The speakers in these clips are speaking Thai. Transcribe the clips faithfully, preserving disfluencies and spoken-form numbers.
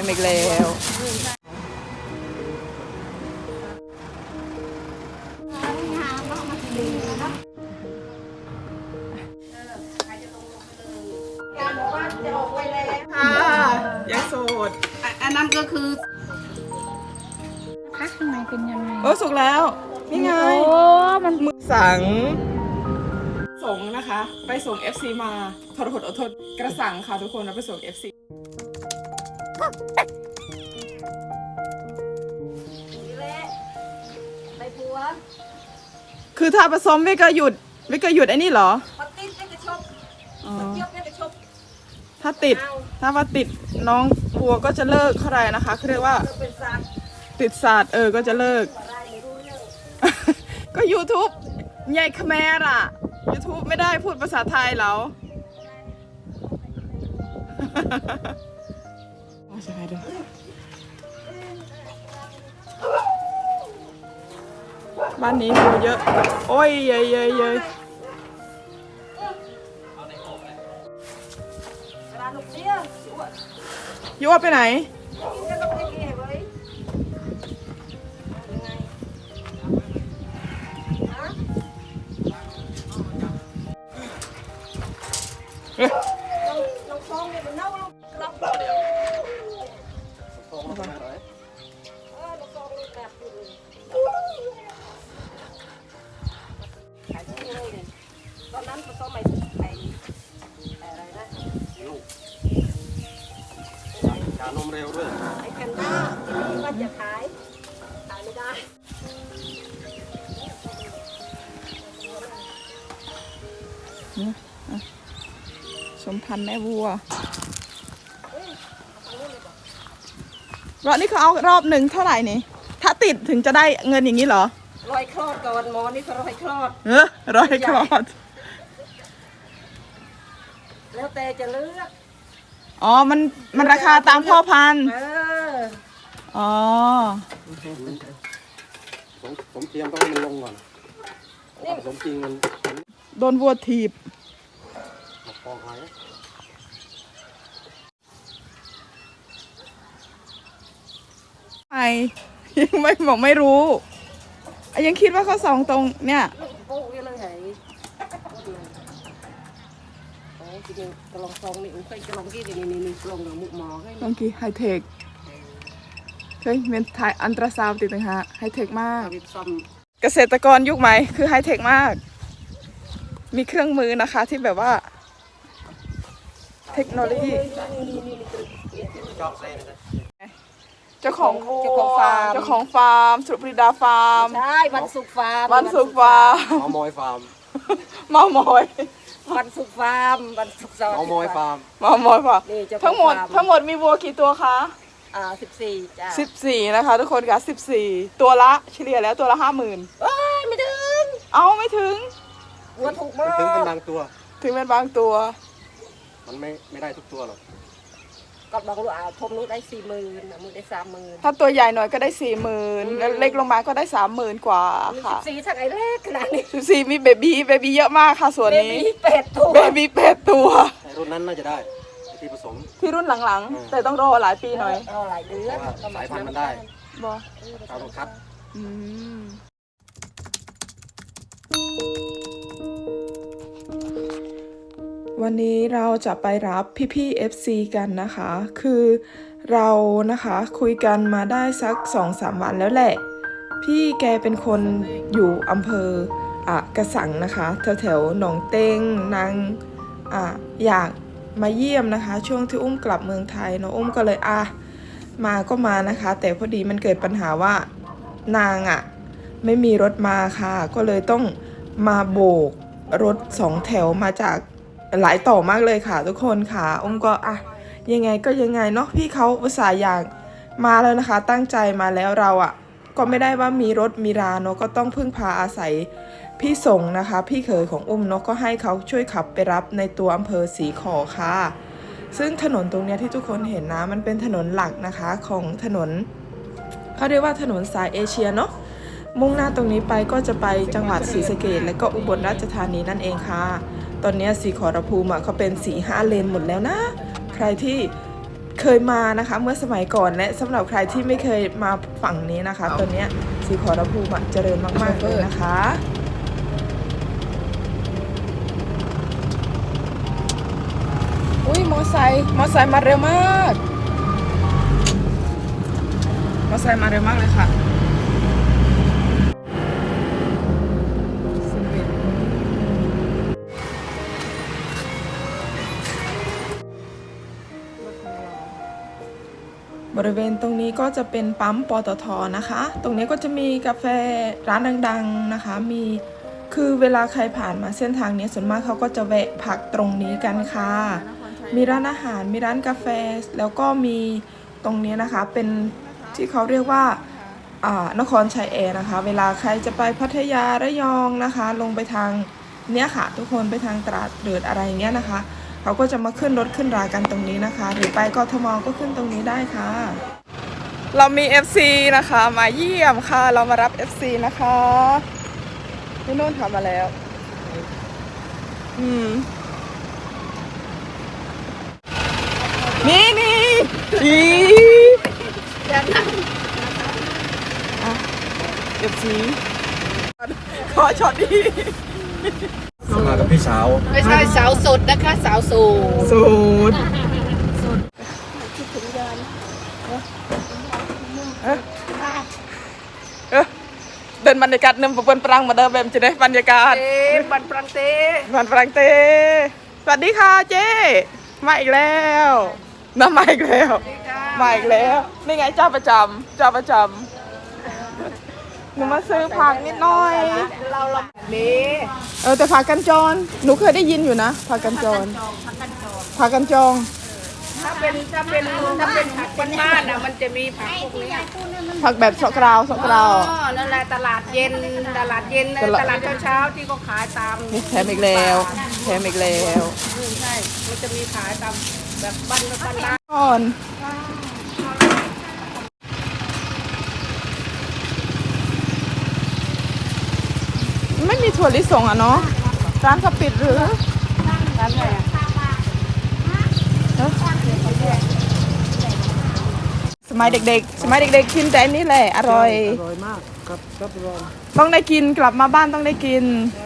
อีกแล้วค่ะยังโสดอันนั้นก็คือพักข้างในเป็นยังไงโอ้สุกแล้วนี่ไงโอ้มันมือสังส่งนะคะ ไปส่ง เอฟ ซี มาทรหดอดทนกระสังค่ะทุกคนเราไปส่ง เอฟ ซีนี่แหละไปผัวคือถ้าผสมไม่ก็หยุดไม่ก็หยุดไอ้นี่เหรอพอติดไม่กระชบอ๋อเที่ยวไม่กระชบถ้าติด ถ้าว่าติดน้องพัวก็จะเลิกเท่าไหร่นะคะเขาเรียกว่าเราเป็นสัตว์ติดศาสตร์เออก็จะเลิกอะไรไม่รู้เรื่องก็ YouTube ใหญ่คแมรอ่ะ YouTube ไม่ได้พูดภาษาไทยแล้วใช่ด้วยบ้านนี้วัวเยอะ โอ้ยเยยเยยเยยเวลาลูกเลี้ยงอ้วนยั่วไปไหนกินก็ต้องได้เก็บไว้ยังไงฮะเฮ้ยเราเราฟองเนี่ยมันเน่าเรากลับเดี๋ยวเออเราฟองเรากลับอยู่เลยขายที่เลยเนี่ยตอนนั้นผสมใหม่ไปอะไรนะชานมเร็วด้วยไอ้แพนด้าที่ว่าจะขายขายไม่ได้สมพันธ์แม่วัวรอบนี้เขาเอารอบหนึ่งเท่าไหร่นี่ ถ้าติดถึงจะได้เงินอย่างนี้เหรอรอยคลอดก่อนหมอนี่เขารอยคลอดเออร้อยคลอดแล้วแต่จะเลือกอ๋อ มัน มันราคาตามพ่อพันธุ์เอออ๋อสมสมเทียมต้องให้มันลงก่อนถ้าผสมจริงมันมันโดนวัวถีบมาปองหายไอยังไม่บอกไม่รู้อ่ะยังคิดว่าเขาสองตรงเนี่ยลูกโป๊กนี่เลยเหรอโอ้จริงๆกระลองซองนี่อุ้งเคยกระลองกี่นี่นี่นี่กระลองกับมุกหมอให้บางทีไฮเทคเคยเป็นถ่ายอันตราซาวด์ติดนะฮะไฮเทคมากเอาไปซ่อมเกษตรกรยุคใหม่คือไฮเทคมาก มีเครื่องมือนะคะที่แบบว่า เทคโนโลยีชอบเส้นเลยเจ้าของวัวเจ้าของฟาร์มเจ้าของฟาร์มสุปรีดาฟาร์มใช่วันศุกร์ฟาร์มวันสุกร์ฟาร์มเมามอยฟาร์มเมามอยวันศุกร์ฟาร์มวันศุกร์เสาร์เมามอยฟาร์มเมามอยฟาร์มนี่เจ้าของทั้งหมดฟาร์มทั้งหมดมีวัวกี่ตัวคะอ่าสิบสี่จ้าสิบสี่นะคะทุกคนค่ะสิบสี่ตัวละเฉลี่ยแล้วตัวละห้าหมื่นเอ้ยไม่ถึงเอาไม่ถึงวัวถูกมามันถึงเป็นกบางตัวถึงเป็นบางตัวมันไม่ไม่ได้ทุกตัวหรอกก็บอกลูกอ่าทมนู้นได้สี่หมื่นมือได้สามหมื่นถ้าตัวใหญ่หน่อยก็ได้สี่หมื่นแล้วเล็กลงมาก็ได้สามหมื่นกว่าค่ะสี่ทั้งไอ้เล็กขนาดนี้สิบสี่มีเบบี้เบบี้เยอะมากค่ะส่วนเบนี้บี้เป็ดตัวเบบี้แปดตัวไอ้รุ่นนั้นน่าจะได้ไอ้ที่ผสมที่รุ่นหลังอืมๆ แต่ต้องรอหลายปีหน่อยรอหลายเดือนเพราะว่าสายพันธุ์มันได้บอเราต้องคัดอืมวันนี้เราจะไปรับพี่ๆ เอฟ ซี กันนะคะ คือเรานะคะคุยกันมาได้สัก สองสาม วันแล้วแหละ พี่แกเป็นคนอยู่อำเภออ่ะกระสังนะคะแถวๆหนองเต้งนางอ่ะอยากมาเยี่ยมนะคะ ช่วงที่อุ้มกลับเมืองไทยเนาะอุ้มก็เลยอ่ะมาก็มานะคะ แต่พอดีมันเกิดปัญหาว่านางอ่ะไม่มีรถมาค่ะ ก็เลยต้องมาโบกรถสองแถวมาจากหลายต่อมากเลยค่ะ ทุกคนค่ะอุ้มก็อ่ะยังไงก็ยังไงเนาะพี่เขาอุตส่าห์อยากมาแล้วนะคะ ตั้งใจมาแล้วเราอ่ะก็ไม่ได้ว่ามีรถมีราเนาะก็ต้องพึ่งพาอาศัยพี่ส่งนะคะ พี่เขยของอุ้มเนาะก็ให้เขาช่วยขับไปรับในตัวอำเภอศรีขอค่ะซึ่งถนนตรงเนี้ยที่ทุกคนเห็นนะมันเป็นถนนหลักนะคะของถนนเขาเรียกว่าถนนสายเอเชียเนาะมุ่งหน้าตรงนี้ไปก็จะไปจังหวัดศรีสะเกษและก็อุบลราชธานีนั่นเองค่ะตอนนี้ศรีขอรภูมิอ่ะเขาเป็นสีห้าเลนหมดแล้วนะใครที่เคยมานะคะเมื่อสมัยก่อนและสำหรับใครที่ไม่เคยมาฝั่งนี้นะคะตอนเนี้ยศรีขอรภูมิอะเจริญมากๆเลยนะคะอุ้ยมอไซค์มอไซค์มาเร็วมากมอไซค์มาเร็วมากเลยค่ะบริเวณตรงนี้ก็จะเป็นปั๊มปตทนะคะ ตรงนี้ก็จะมีกาแฟร้านดังๆนะคะ มีคือเวลาใครผ่านมาเส้นทางนี้ส่วนมากเขาก็จะแวะพักตรงนี้กันค่ะ มีร้านอาหาร มีร้านกาแฟ แล้วก็มีตรงนี้นะคะ เป็นที่เขาเรียกว่าอ่านครชัยแอร์นะคะ เวลาใครจะไปพัทยาระยองนะคะ ลงไปทางเนี้ยค่ะ ทุกคนไปทางตราดเดือดอะไรเงี้ยนะคะ เขาก็จะมาขึ้นรถขึ้นรากันตรงนี้นะคะ หรือไปกทมก็ขึ้นตรงนี้ได้ค่ะ เรามี เอฟ ซี นะคะมาเยี่ยมค่ะ เรามารับ เอฟ ซี นะคะพี่นุ่นทำมาแล้วอืมนี่นี่อีอ่ะ เอฟ ซี ขอช็อตดีมากับพี่สาวไม่ใช่สาวสดนะคะสาวโสดสูตรเอ๊ะเอ๊ะเดินบรรยากาศนึมปะเปิ้นปรังมาเดินแบบจะได้บรรยากาศเอ๊ะบันปรังเต้บันปรังเตสวัสดีค่ะเจ๊มาอีกแล้วน้ามาอีกแล้วมาอีกแล้วนี่ไงเจ้าประจำเจ้าประจำหนูมาซื้อผักนิดหน่อยเราเรานี้เออแต่ผักกันจรหนูเคยได้ยินอยู่นะผักกันจรผักกันจองถ้าเป็นถ้าเป็นถ้าเป็นผักบ้านๆนะมันจะมีผักพวกนี้ผักแบบสกราวสกราวอ๋อนั่นแหละตลาดเย็นตลาดเย็นนะตลาดตลาดเช้าๆที่เขาขายตามนี่แถมอีกแล้วแถมอีกแล้วอืมใช่มันจะมีขายตามแบบบ้านบ้านร้านก่อนไม่มีถั่วลิสงอ่ะเนาะร้านเขาปิดหรือร้านไหนอะสมัยเด็กๆ สมัยเด็กๆกินแต่อันนี้แหละอร่อยอร่อยมากครับครับรองต้องได้กินกลับมาบ้านต้องได้กิน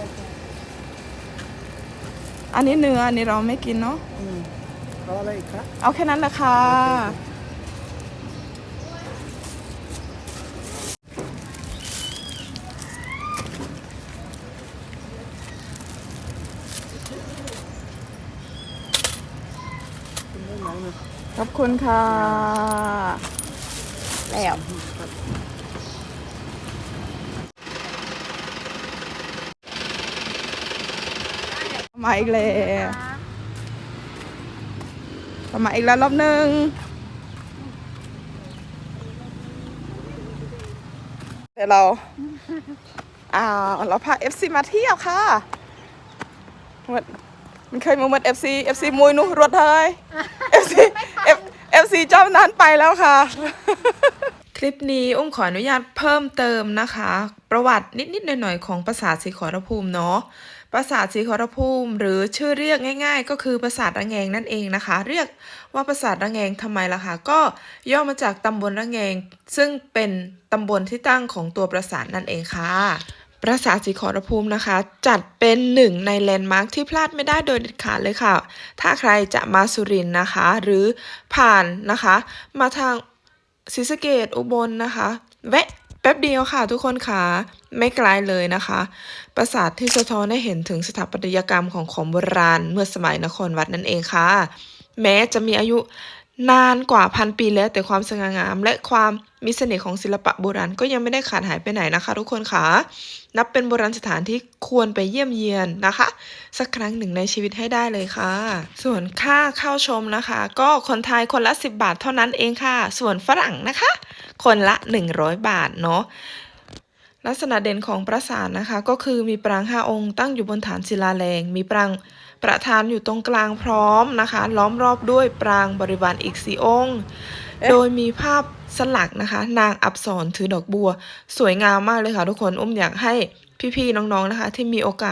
อันนี้เนื้ออันนี้เราไม่กินเนาะเอาอะไรอีกครับเอาแค่นั้นแหละค่ะขอบคุณค่ะ แล้วมาอีกแล้วมาอีกแล้วรอบหนึ่งเดี๋ยวเราอ่าเราพา เอฟ ซี มาเที่ยวค่ะมันมันเคยมาเหมือน เอฟ ซี เอฟ ซี มวยนู้รถเฮ้ย เอฟ ซี F เอฟ ซี เจ้านั้นไปแล้วค่ะ คลิปนี้อุ้มขออนุญาตเพิ่มเติมนะคะ ประวัตินิดๆหน่อยๆของปราสาทศรีขอรภูมิเนาะปราสาทศรีขอรภูมิหรือชื่อเรียกง่ายๆ ก็คือปราสาทระแงงนั่นเองนะคะ เรียกว่าปราสาทระแงงทำไมล่ะคะก็ย่อมาจากตำบลระแงงซึ่งเป็นตำบลที่ตั้งของตัวปราสาทนั่นเองค่ะปราสาทศรีขอรภูมินะคะ จัดเป็นหนึ่งในแลนด์มาร์คที่พลาดไม่ได้โดยเด็ดขาดเลยค่ะ ถ้าใครจะมาสุรินทร์นะคะ หรือผ่านนะคะ มาทางศรีสะเกษอุบลนะคะ แวะแป๊บเดียวค่ะทุกคนค่ะไม่ไกลเลยนะคะ ปราสาทที่สะท้อนให้เห็นถึงสถาปัตยกรรมของของโบราณเมื่อสมัยนครวัดนั่นเองค่ะ แม้จะมีอายุนานกว่าพันปีแล้วแต่ความสง่างาม และความมีเสน่ห์ของศิลปะโบราณก็ยังไม่ได้ขาดหายไปไหนนะคะ ทุกคนค่ะนับเป็นโบราณสถานที่ควรไปเยี่ยมเยียนนะคะ สักครั้งหนึ่งในชีวิตให้ได้เลยค่ะ ส่วนค่าเข้าชมนะคะ ก็คนไทยคนละสิบบาทเท่านั้นเองค่ะ ส่วนฝรั่งนะคะ คนละหนึ่งร้อยบาทเนาะลักษณะเด่นของปราสาทนะคะก็คือมีปรางห้าองค์ตั้งอยู่บนฐานศิลาแรงมีปรางประธานอยู่ตรงกลางพร้อมนะคะ ล้อมรอบด้วยปรางบริวารอีกสี่องค์ โดยมีภาพสลักนะคะ นางอับสรถือดอกบัว สวยงามมากเลยค่ะทุกคนอุ้มอยากให้พี่ๆน้องๆนะคะ ที่มีโอกาส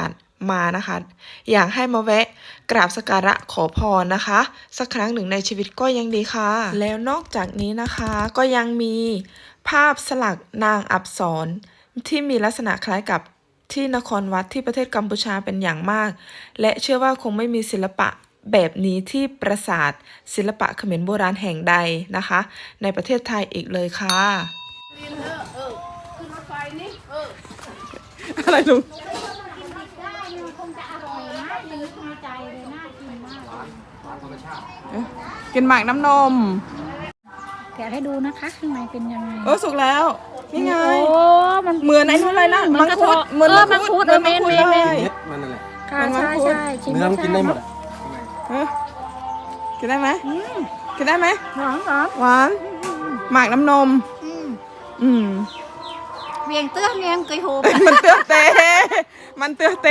มานะคะ อยากให้มาแวะกราบสักการะขอพรนะคะ สักครั้งหนึ่งในชีวิตก็ยังดีค่ะ แล้วนอกจากนี้นะคะก็ยังมีภาพสลักนางอับสรที่มีลักษณะคล้ายกับที่นครวัดที่ประเทศกัมพูชาเป็นอย่างมาก และเชื่อว่าคงไม่มีศิลปะแบบนี้ที่ปราสาทศิลปะเขมรโบราณแห่งใดนะคะ ในประเทศไทยอีกเลยค่ะกินเถอะเออขึ้นรถไฟนี่เอออะไรลุงได้มันคงจะอร่อยนะนึกในใจเลยน่ากินมากเลยกินหมากน้ำนมแกะให้ดูนะคะข้างในเป็นยังไงเออสุกแล้วนี่ไงโอ้มันเหมือนไอ้นู่นเลยนะเหมือนกระมังคุดเทาะเหมือนเออมัมังงคุคุดดเออเมนเหมืเมอนนมัเมงคุดนเม็ดมันนั่นแหละค่ะเหมือนมัใช่งคุดใช่ชิมเนื้อมันกินได้หมดอ่ะเออกินได้ไหมกินได้ไหมหอมหอมหวานหมากน้ำนมอืมอืมเวียงเตื้อเวียงกุยโฮมมันเตือเต มันเตือเต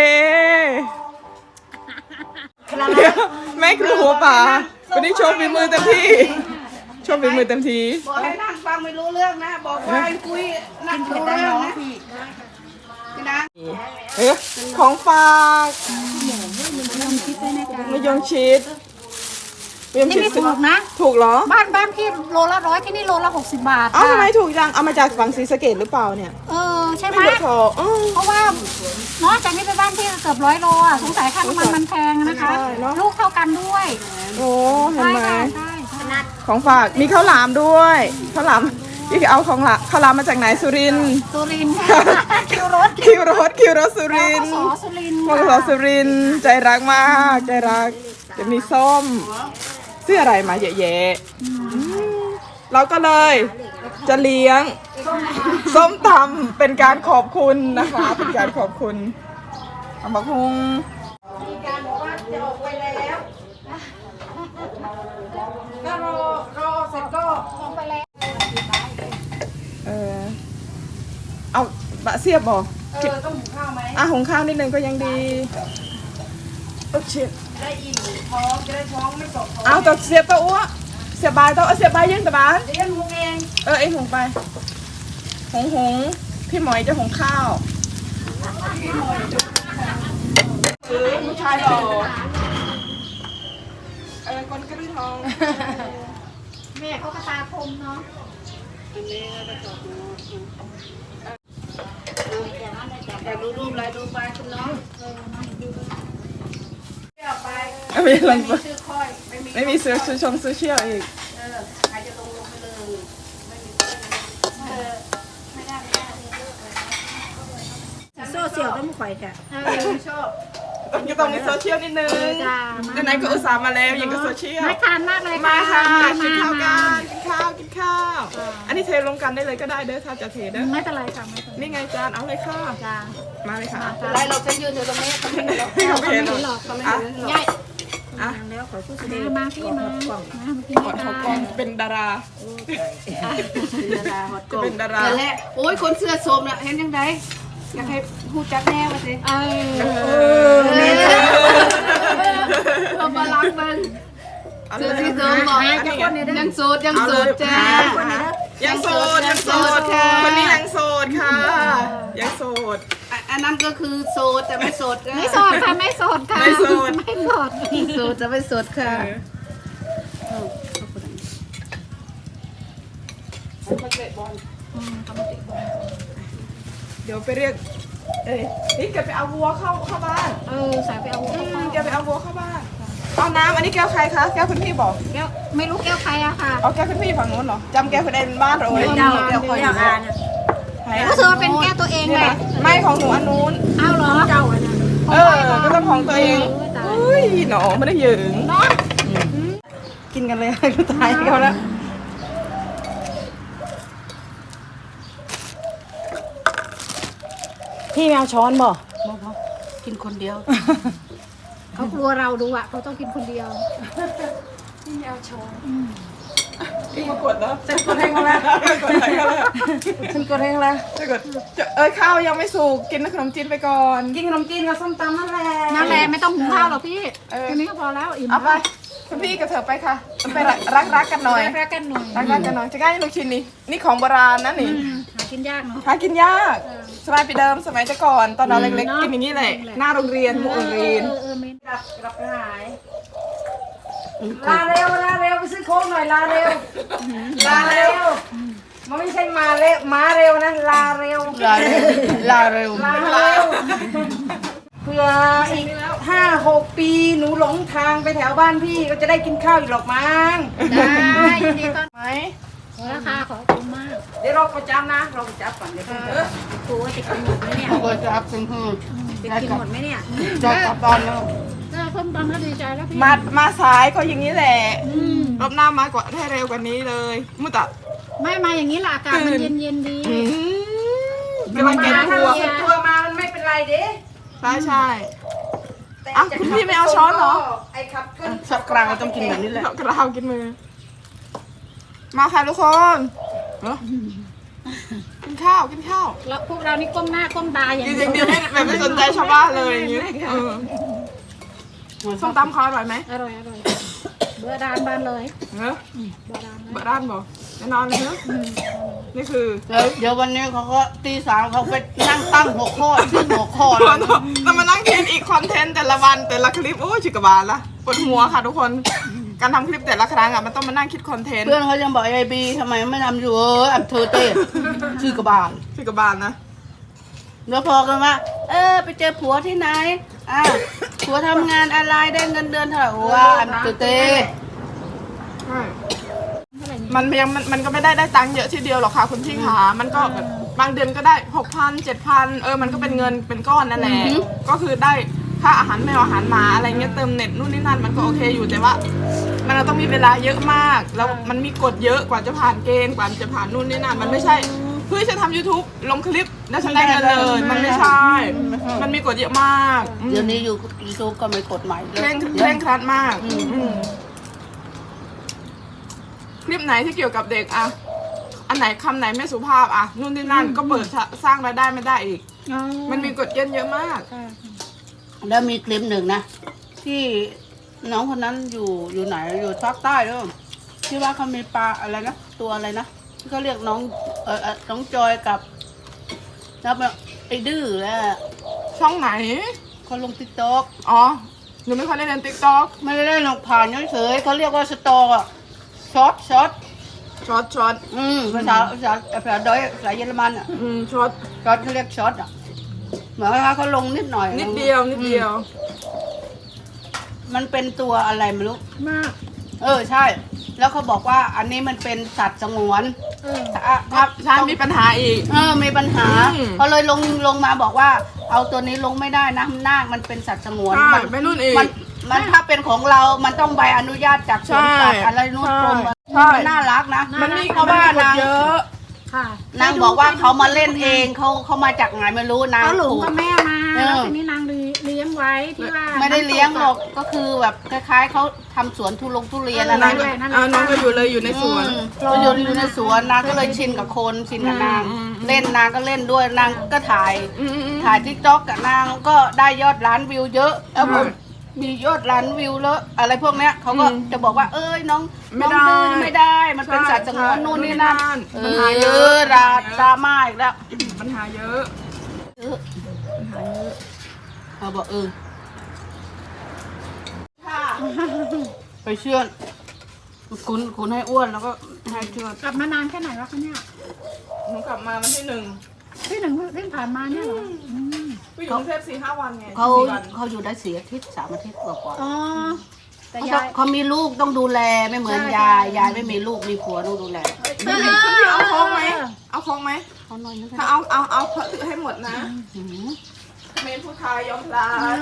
เดี๋ยวแม่ครูหัวป่าวันนี้โชว์ฝีมือเต็มที่ โชว์ฝีมือเต็มที่บอกให้นั่งฟังไม่รู้เรื่องนะ บอกว่าให้คุยนั่งรู้เรื่องนะพี่นะเออของฝากลองคิดด้วยนะจ๊ะมะยงชิดมะยงนี่ชิดไม่ถูกนะถูกเหรอบ้านบ้านพี่โลละร้อยที่นี่โลละหกสิบบาทเอ้าทำไมค่ะถูกจัง เอามาจากฝั่งศรีสะเกดหรือเปล่าเนี่ยเออใช่ไหมไม่ถูกพออ้าวเพราะว่าเนาะจากนี้ไปบ้านพี่เกือบร้อยโลอ่ะสงสัยค่าน้ำมันมันแพงนะคะใช่เนอะลูกเท่ากันด้วยโอ้เห็นใช่ไหมค่ะใช่ขนาดของฝากมีข้าวหลามด้วยข้าวหลามพี่เอาของละข้าวหลามมาจากไหนสุรินทร์สุรินทร์ค่ะคิวรถคิวรถคิวรถสุรินทสร์อสุรินทร์มอสสุรินทร์ใจรักมากใจรักจะมีส้มซื้ออะไรมาเยอะแยะอืมเราก็เลยจะเลี้ยงส้มตำเป็นการขอบคุณนะคะ เป็นการขอบคุณเอามาคุงมีการบอกว่าจะออกไปแล้วก็รอรอเสร็จก็ลงไปแล้วเออเอาบะเสียบบอกเออต้องหุงข้าวไหมอ่ะหุงข้าวนิดนึงก็ยังดีโอ้ชิดได้อิ่มท้องจะได้ท้องไม่ตกท้องเอาตัวเสียบตัวอ้วเสียบบายตัวเอาเสียบบายยังแต่บ้านเดี๋ยวหุงเองเออไอหุงไปหงหงพี่หมอยจะหุงข้าวซื้อผู้ชายหล่อเออคนกระดือทองแม่เขากระตาคมเนาะอยากดูรูปอะไรดูไปคุณน้องเที่ยวไปไม่มีลงไม่มีชื่อค่อยไม่มีไม่มีเสือชูชงโซเชียลอีกเออใครจะลงลงไปเลยไม่มีเออไม่ได้ไม่ได้โซ่เสี่ยวต้องข่อยแท้เออไม่ชอบต้องต้องมีโซเชียลนิดนึงจ้าไหนๆก็อุตส่าห์มาแล้วยังก็โซเชียลน่าทานมากเลยมาค่ะมากินข้าวมากันกินข้าวกินข้าว อันนี้เทลงกันได้เลยก็ได้เด้อถ้าจะเทเด้อไม่เป็นไรค่ะไม่เป็นไรนี่ไงจานเอาเลยค่ะจ้ามาเลยค่ะไรเราจะยืนอยู่ตรงนี้เขาไม่เห็นหรอกให้เขาเห็นหรอกเขาไม่เห็นหรอกใหญ่อ่ะแล้วขอพูดเสมาน่ห์มาพี่มามามากินกอดกัเขากล้องนเป็นดาราเป็นดาราฮอตจะเป็นดารานั่นแหละโอ้ยคนเสื้อโสมน่ะเห็นยังไงอยากให้พูดจักแน่มาสิเออเออนี่นะเรามาล้างเบิ้งเสื้อสีส้มบอกยังโสดยังโสดจ้ายังโสดยังโสดค่ะคนนี้ยังโสดค่ะยังโสดอ่ะอันนั้นก็คือโสดแต่ไม่โสดไม่โสดค่ะไม่โสดค่ะไม่โสดไม่โสดโสดแต่ไม่โสดค่ะเดี๋ยวไปเรียก เอ้ยนี่แกไปเอาวัวเข้าเข้าบ้านเออสายไปเอาอืมแกไปเอาวัวเข้าบ้าน เอาน้ำอันนี้แก้วใครคะ แก้วคุณพี่บอกแก้วไม่รู้แก้วใครอะค่ะเอาแก้วคุณพี่ฝั่งนู้นเหรอจำแก้วคุณเอ็นบ้านเราเลยเจ้าเดี๋ยวคอยอยู่นะไหนรู้สึกว่าเป็นแก้วตัวเองนี่แหละนะไม่ของหนูอันนู้นเอาเหรอเจ้าอะนะเออ ก็ต้องของตัวเองอุ้ยหนอไม่ได้หยืงเนาะกินกันเลย ก็ตายเขาแล้วพี่แมวช้อนบ่กินคนเดียวเขากลัวเราดูอะเขาต้องกินคนเดียวอีกมากดแล้วจะกดแห้งแล้วกดแห้งแล้วฉันก็เร่งแล้วจะกดจะเอ้ยข้าวยังไม่สุกกินขนมจีนไปก่อนกินขนมจีนกับส้มตำนั่นแหละนั่นแหละไม่ต้องหุงข้าวหรอกพี่เออแค่นี้ก็พอแล้วอิ่มเอาไปคุณพี่กับเธอไปค่ะไปรักรักๆกันหน่อยรักกันหน่อยรักรักๆกันหน่อยจะง่ายลูกชิ้นนี่นี่ของโบราณนะนี่อืมหากินยากเนาะหากินยากเออสมัยปีเดิมสมัยแต่ก่อนตอนเราเล็กๆกินอย่างนี้แหละหน้าโรงเรียนหมู่โรงเรียนเออเออเมนกลับกลับไปหายลาเร็วลาเร็วไปซื้อโค้กหน่อยลาเร็วลาเร็วมันไม่ใช่มาเร็วมาเร็วนะลาเร็วลาเร็วลาเร็วลาเร็วเพื่ออีกห้าหกปีหนูหลงทางไปแถวบ้านพี่ก็จะได้กินข้าวอีกหรอกมั้งได้ยินดีต้อนไหมราคาขอบคุณมากเดี๋ยวเราประจำนะเราประจำก่อนเดี๋ยวเออครูว่าจะกินหมดไหมเนี่ยก็จะอัพซึ่งคือจะกินหมดไหมเนี่ยจะกลับบ้านแล้วถ้าส้มตำก็ดีใจแล้วพี่มามาสายก็อย่างนี้แหละอืมรอบหน้ามากว่าให้เร็วกว่านี้เลยมุตะไม่มาอย่างนี้ล่ะอากาศมันเย็นเย็นๆดีกำลังเก็บถ้าตัวเสียตัวมามันไม่เป็นไรเด้ใช่ใช่แต่อ่ะคุณพี่ไม่เอาช้อนเหรอไอ้ขับขึ้นสับกลางเราต้องกินแบบนี้แหละกระเรากินมือ มาค่ะทุกคนเอ้อกินข้าวกินข้าวแล้วพวกเรานี่ก้มหน้าก้มตาอย่างจเดีริยวงๆเดียวให้แบบไม่สนใจชาวบ้านเลยอย่างนี้เออส้มตำเขาอร่อยไหมอร่อยอร่อยเบอร์ดานบานเลยเนอะเบอร์ดานเบอร์ด้านบอกแน่นอนเลยเนอะนี่คือเดี๋ยวเดี๋ยววันนี้เขาก็ตีสามเขาไปนั่งตั้งหัวข้อชื่อหัวข้อตแล้วอนเรามานั่งคิดอีกคอนเทนต์แต่ละวันแต่ละคลิปโอ้ยชิกบาลละปวดหัวค่ะทุกคน การทำคลิปแต่ละครั้งอ่ะมันต้องมานั่งคิดคอนเทนต์เพื่อนเขายังบอกไอบีทำไมไม่ทำอยู่เอออับเธอเต้ชื่อกระบาลชิกบาลนะแล้วพอกันว่าเออไปเจอผัวที่ไหนอ่าผัวทำงานอะไรได้เงินเดือนเท่าไหร่ว่าอับเธอเต้ใช่มันยังมันมันก็ไม่ได้ได้ตังค์เยอะทีเดียวหรอกค่ะคุณพี่ขามันก็แบบบางเดือนก็ได้หกพันเจ็ดพันเออมันก็เป็นเงินเป็นก้อนนั่นแหละก็คือได้ค่าอาหารแมวอาหารหมาอะไรเงี้ยเติมเน็ตนู่นนี่นั่นมันก็โอเคอยู่แต่ว่า มันต้องมีเวลาเยอะมาก แล้วมันมีกฎเยอะกว่าจะผ่านเกณฑ์กว่าจะผ่านนู่นนี่นั่นมันไม่ใช่เพื่อจะทำ YouTube ลงคลิปแล้วฉันได้เงินเลยมันไม่ใช่ มันมีกฎเยอะมากอืมเดี๋ยวนี้อยู่ยูทูบก็ไม่กฎหมายเคร่งเคร่งครัดมากอืมคลิปไหนที่เกี่ยวกับเด็กอะอันไหนคำไหนไม่สุภาพอะนู่นนี่นั่นก็เปิดสร้างรายได้ไม่ได้อีกอ๋อมันมีกฎเกณฑ์เยอะมากค่ะแล้วมีคลิปหนึ่งนะ ที่น้องคนนั้นอยู่อยู่ไหนอยู่ภาคใต้ด้วยที่ว่าเขามีปลาอะไรนะตัวอะไรนะที่เขาเรียกน้องเออเอ่อน้องจอยกับแล้วไอ้ดื้อแล้วช่องไหนเขาลงติ๊กต็อกอ๋อหนูไม่ค่อยได้เล่นติ๊กต็อกไม่ได้เล่นหรอกผ่านเฉยๆเขาเรียกว่าสตออะช็อตช็อตช็อตช็อตอืมภาษาภาษาภาษาดอยภาษาเยอรมันอ่ะอืมช็อตช็อตเขาเรียกช็อตอ่ะเหมือนว่าเขาลงนิดหน่อยนิดเดียวนิดเดียวมันเป็นตัวอะไรไม่รู้มากเออใช่ แล้วเขาบอกว่าอันนี้มันเป็นสัตว์สงวนเออถ้าถ้าใช่มีปัญหาอีกเออมีปัญหาอืมเขาเลยลงลงมาบอกว่า เอาตัวนี้ลงไม่ได้นะนาคมันเป็นสัตว์สงวนใช่มัไม่นู่นอีกมันมันถ้าเป็นของเรา มันต้องใบอนุญาตจากสวนสัตว์ใช่อะไรนู่นกรมใช่มันน่ารักนะมันมีเพราะว่านางเยอะค่ะนางบอกว่าเขามาเล่นเองเขาเขามาจากไหนไม่รู้นางเขาหลงถูกกับแม่มาเออแล้วทีนี้นางเลี้ยงไว้ที่ว่าไม่ได้เลี้ยงหรอกก็คือแบบคล้ายๆเขาทำสวนทุลงทุเรียนเอออะไรนางก็ด้วยนั่นแหละเออน้องก็อยู่เลยอยู่ในสวนอืมก็อยู่อยู่ในสวนนางก็เลยชินกับคนชินกับนางอืมอืมเล่นนางก็เล่นด้วยนางก็ถ่ายอืมอืมอืมถ่ายทิกต็อกกับนางก็ได้ยอดล้านวิวเยอะแล้วผมใช่มียอดล้านวิวแล้วอะไรพวกเนี้ยเขาก็อืมจะบอกว่าเอ้ยน้องไม่น้องได้ดื้อไม่ได้ มันเป็นใช่สัตว์สงวนใช่นู่นนี่นั่นนู่นนี่นั่นเอปัญหาเยอะอดราดราม่าอีกแล้วปัญหาเยอะเออเขาบอกเออไปเชื่อนคุณคุณให้อ้วนแล้วก็ให้เชื่อนกลับมานานแค่ไหนวะคะเนี่ยหนูกลับมาวันที่หนึ่งที่หนึ่งที่ผ่านมาเนี่ยเหรออืมไปอยู่กรุงเทพสี่ห้าวันไงเขาสี่วันเขาอยู่ได้สี่อาทิตย์สามอาทิตย์กว่าอ๋อแต่ๆเขายายเขามีลูกต้องดูแลไม่เหมือนใช่ยายใช่ยายไม่มีลูกมีผัวต้องดูแลคุณพี่คุณพี่เอาโค้งไหมเอาโค้งไหมเขาหน่อยนึงถ้าเอาเอาเอาเพื่อให้หมดนะหืมเมนผู้ชายยอมพลาด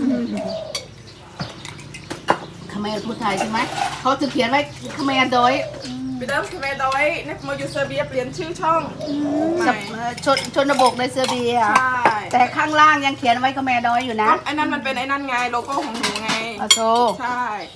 เขมรพูดไทยใช่ไหมเขาจะเขียนไว้เขมรโดยไปเดิมคือเมดอยในมาอยู่เซอร์เบียเปลี่ยนชื่อช่องใหสม่เอ่อชนชนบกในเซอร์เบียใช่แต่ข้างล่างยังเขียนไว้เขมรโดยอยู่นะก็ไอ้นั่นมันเป็นไอ้นั่นไงโลโก้ของหนูไงอาโซใช่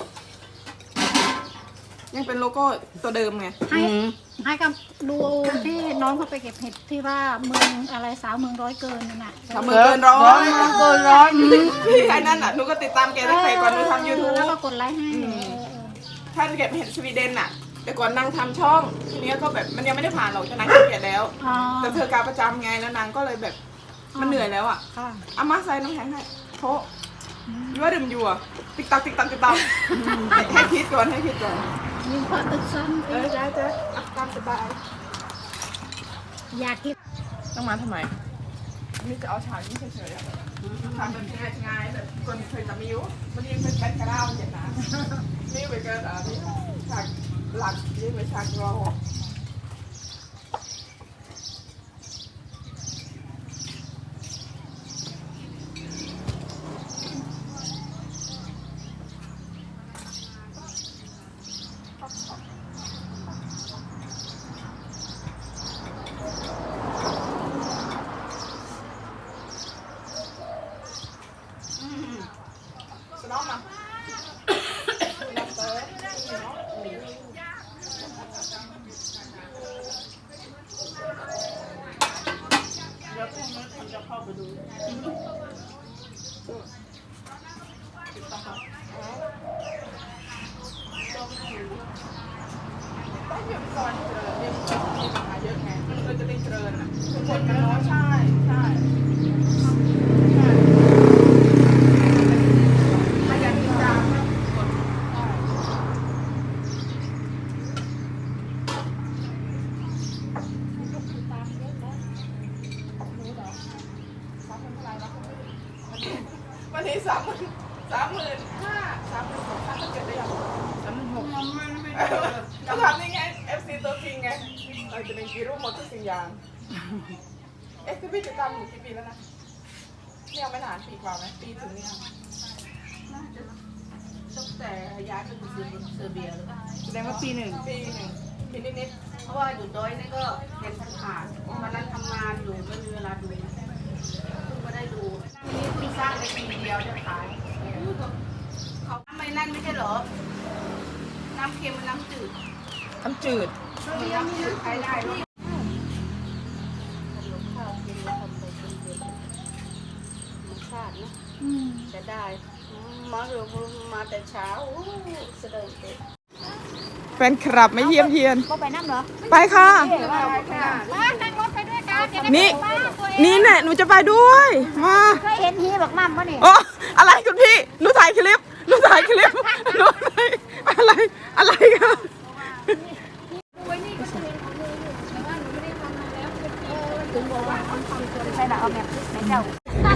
ยังเป็นโลโก้ตัวเดิมไงให้อืมให้กับดูที่น้องเขาไปเก็บเห็ดที่ว่าเมืองอะไรสาวเมืองร้อยเกินนั่นน่ะทำมือเกินร้อยเกินร้อยอืมไอ้นั่นอ่ะหนูก็ติดตามแกตั้งแต่ก่อนหนูทำยูทูบแล้วก็กดไลค์ให้ท่านเก็บเห็นสวีเดนอ่ะ แต่ก่อนนางทำช่องทีนี้ก็แบบมันยังไม่ได้ผ่านหรอกจะนางขี้เกียจแล้วอ๋อแต่เธอการประจำไงแล้วนางก็เลยแบบมันเหนื่อยแล้วอ่ะค่ะเอามาใส่น้ำแข็งให้โถยั่วดื่มอยู่อ่ะติ๊กตักติ๊กตักติ๊กตักให้ให้คิดก่อนให้คิดก่อนมีพอตึกซ้ำเออจ้าจ้าอ่ะตามสบายอยากกินต้องมาทำไมนี่จะเอาฉากนี้เฉยๆอะทำแบบง่ายๆแบบคนเคยจะมิววันนี้เป็นแบ็คกราวด์อย่างนั้นนี่ไปเกิดอะไรนี่ฉากหลักนี่ไปฉากรอ สนอมมาต้องเรียนก่อนเจริญเรียนก่อนมีปัญหาเยอะไงเราจะได้เจริญอ่ะทุกคนมันน้อยใช่ใช่ใช่ถ้าอยากติดตามก็กดได้วันนี้สามหมื่นสามหมื่นห้าสามหมื่นหกพันเจ็ดได้ยังสามหมื่นหกก็ทำนี่ไง เอฟ ซี ตัวจริงไงเราจะเป็นกีรูปหมดทุกสิ่งอย่างเอ๊ะคือพี่จะทำอยู่กี่ปีแล้วนะเนี่ยไม่นานปีกว่าไหมปีถึงเนี่ยตั้งแต่ย้ายไปอยู่เซอร์เบียหรือเปล่าแสดงว่าปีหนึ่งปีหนึ่งปีนิดเพราะว่าอยู่ดอยนี่ก็เห็นผ่านๆวันนั้นทำงานอยู่ไม่มีเวลาดูเพิ่งมาได้ดูนี่เพิ่งสร้างในปีเดียวจะขายเขาทำไมนั่นไม่ใช่เหรอ น้ำเค็มมันน้ำจืดๆน้ำจืดน้ำจืดใช้ได้ด้วยจะได้มาเรือมาแต่เช้าเสด็จเด็กแฟนคลับไม่เยี่ยมเยียนก็ไปนั่งเหรอไปค่ะได้ค่ะมานั่งรถไปด้วยกันจะได้นี่ไปบ้านตัวเองนี่แหละหนูจะไปด้วย มาเคยเห็นฮีบอกมั่มปะเนี่ยโอ้อะไรคุณพี่หนูถ่ายคลิปหนูถ่ายคลิปหนูถ่ายอะไรอะไรกันใช่ละเอาแบบไหนเจ้า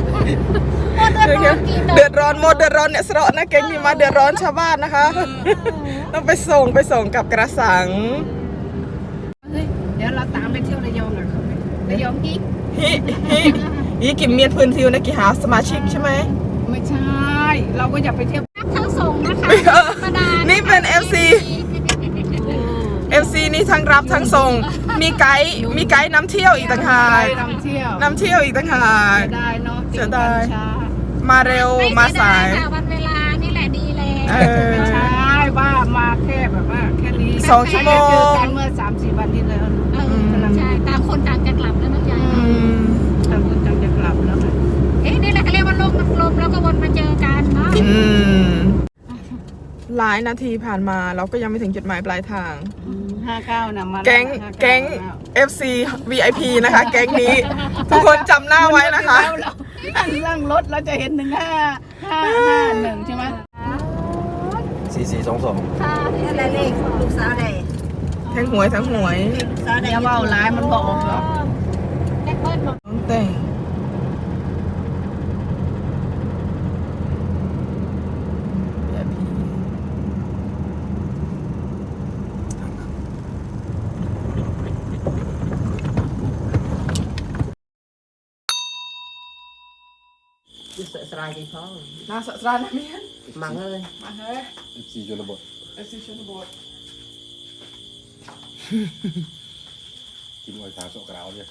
เดือดร้อนหมดเดือดร้อนเนี่ยสระนะเก่งนี่มาเดือดร้อนชาวบ้านนะคะ ต้องไปส่งไปส่งกับกระสังเฮ้ยเดี๋ยวเราตามไปเที่ยวระยองอ่ะเขาไประยองอีกฮิฮิฮิกิมเมียนพื้นทิวนะกี่หาสมาชิกใช่ไหมไม่ใช่ เราก็อยากไปเที่ยวทั้งส่งนะคะ ธรรมดานี่เป็น เอฟ ซี เอฟ ซี นี่ทั้งรับทั้งส่ง มีไกด์มีไกด์นำเที่ยวอีกต่างหากนำเที่ยวนำเที่ยวอีกต่างหากเสียดายเนาะเสียดายช้ามาเร็วมาสายค่ะวันเวลานี่แหละดีเลยเออไม่ใช่ว่ามาแค่แบบว่าแค่นี้สองชั่วโมงเจอกันเมื่อสามสี่วันที่แล้วเออใช่ต่างคนต่างจะกลับแล้วน้องยายอืมต่างคนต่างจะกลับแล้วค่ะเอ๊ะนี่แหละเขาเรียกว่าโลกมันกลมแล้วก็วนมาเจอกันเนาะอืมหลายนาทีผ่านมาเราก็ยังไม่ถึงจุดหมายปลายทางห้าเก้านะมาแก๊งห้าเาแก๊งแล้วเอฟ ซี วี ไอ พี นะคะ แก๊งนี้ ทุกคนจำหน้าไว้นะคะนั่งนั่งรถเราจะเห็นหนึ่งห้าห้าห้าหนึ่งใช่ไหมสี่สี่สองสองอะไรเลขลูกสาวใดแทงหวยแทงหวยลูกสาวใดอย่าว่าร้ายมันบอกหรอกแจ็คเบิ้ลบอกน้องแต่งน่าสะสานนะเมียนมังเลยมาเฮ้ยเอฟซีชนบทเอฟซีชนบทกินออยตาโซกราวเนี่ย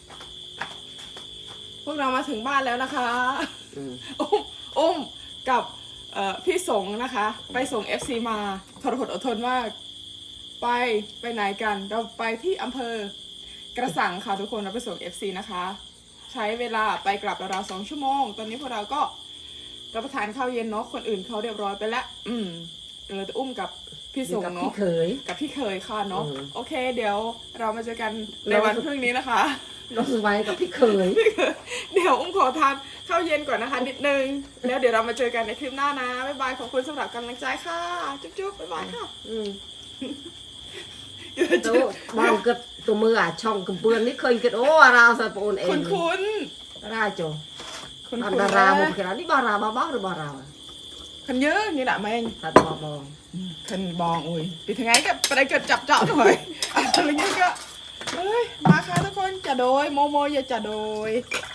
พวกเรามาถึงบ้านแล้วนะคะอุ้มอุ้มกับเอ่อพี่สงนะคะ ไปส่ง เอฟ ซี มาทรหดอดทนมาก ไปไปไหนกัน เราไปที่อำเภอกระสังค่ะทุกคนเราไปส่ง เอฟ ซี นะคะ ใช้เวลาไปกลับราวๆสองชั่วโมง ตอนนี้พวกเราก็รับประทานข้าวเย็นเนาะคนอื่นเขาเรียบร้อยไปแล้วอืมเราจะอุ้มกับพี่สงเนาะเคยกับพี่เคยค่ะเนาะอืมโอเค เดี๋ยวเรามาเจอกันในวันพรุ่งนี้นะคะน้องสบายกับพี่เคยเดี๋ยวอุ้มขอทานข้าวเย็นก่อนนะคะนิดนึง แล้วเดี๋ยวเรามาเจอกันในคลิปหน้านะ บ๊ายบาย ขอบคุณสำหรับกำลังใจค่ะ จุ๊บๆ บ๊ายบายค่ะอืมเดี๋ยวเจตัอวบางเกิดตัวมืออ่ะช่องกระเบื้องนี่เคยเกิดโอ้ราวสะโปนเองคุณคุณราโจคุณอันคุณดาราบุกขนาดนี่บาราบ้าบ้าหรือบาราคนเยอะนี่แหละแม่งตัดบอบองคนบองอุ้ยไปถึงไงก็ไปได้เกิดจับเจาะหน่อยอะไรเงี้ยก็เฮ้ย มาค่ะทุกคนจะโดยโมโมอย่าจะโดย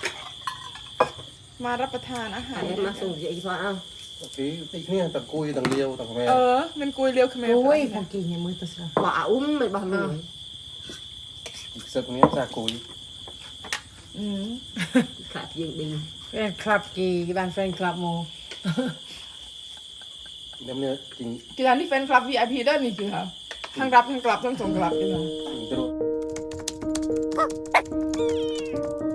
มารับประทานอาหารอันนี้มาส่งอีกพอเอาโอเคตีเนี่ยต่างกุยต่างเดียวต่างแม่เออมันกุยเรียวขมรโอ้ยพอกินยังมือตัวเสือว่าอุ้มไม่บ้าเลยอีกสักนี้จากกุยอืมขาดยิงดีแฟนคลับกี่บ้านแฟนคลับโมน้ำเนื้อจริงกีฬานี่แฟนคลับ วี ไอ พี ได้นี่คือค่ะทั้งรับทั้งกลับทั้งส่งกลับนี่นะจริงจะรู้